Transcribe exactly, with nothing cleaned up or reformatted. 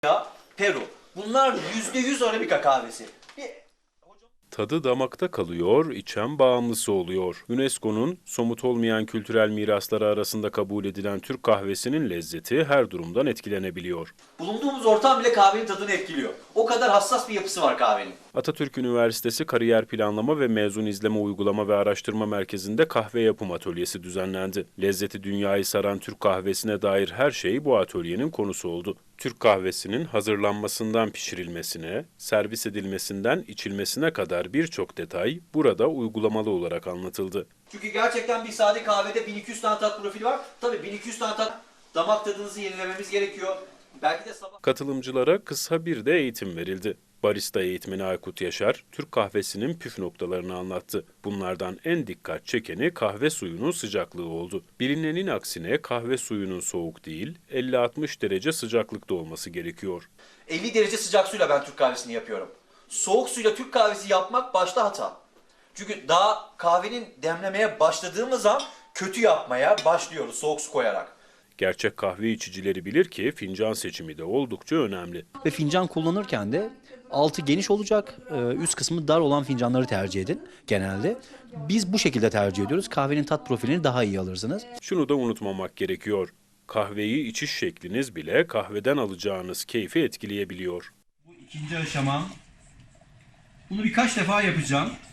Ya, Peru. Bunlar yüzde yüz Arabika kahvesi. Bir... Tadı damakta kalıyor, içen bağımlısı oluyor. UNESCO'nun somut olmayan kültürel mirasları arasında kabul edilen Türk kahvesinin lezzeti her durumdan etkilenebiliyor. Bulunduğumuz ortam bile kahvenin tadını etkiliyor. O kadar hassas bir yapısı var kahvenin. Atatürk Üniversitesi Kariyer Planlama ve Mezun İzleme Uygulama ve Araştırma Merkezi'nde kahve yapım atölyesi düzenlendi. Lezzeti dünyayı saran Türk kahvesine dair her şey bu atölyenin konusu oldu. Türk kahvesinin hazırlanmasından pişirilmesine, servis edilmesinden içilmesine kadar birçok detay burada uygulamalı olarak anlatıldı. Çünkü gerçekten bir sade kahvede bin iki yüz tane tat profili var. Tabii bin iki yüz tane tat, damak tadınızı yenilememiz gerekiyor. Belki de sabah... Katılımcılara kısa bir de eğitim verildi. Barista eğitmeni Aykut Yaşar, Türk kahvesinin püf noktalarını anlattı. Bunlardan en dikkat çekeni kahve suyunun sıcaklığı oldu. Bilinenin aksine kahve suyunun soğuk değil, elli altmış derece sıcaklıkta olması gerekiyor. elli derece sıcak suyla ben Türk kahvesini yapıyorum. Soğuk suyla Türk kahvesi yapmak başta hata. Çünkü daha kahvenin demlemeye başladığımız an kötü yapmaya başlıyoruz soğuk su koyarak. Gerçek kahve içicileri bilir ki fincan seçimi de oldukça önemli. Ve fincan kullanırken de altı geniş olacak, üst kısmı dar olan fincanları tercih edin genelde. Biz bu şekilde tercih ediyoruz. Kahvenin tat profilini daha iyi alırsınız. Şunu da unutmamak gerekiyor. Kahveyi içiş şekliniz bile kahveden alacağınız keyfi etkileyebiliyor. Bu ikinci aşamam. Bunu birkaç defa yapacağım.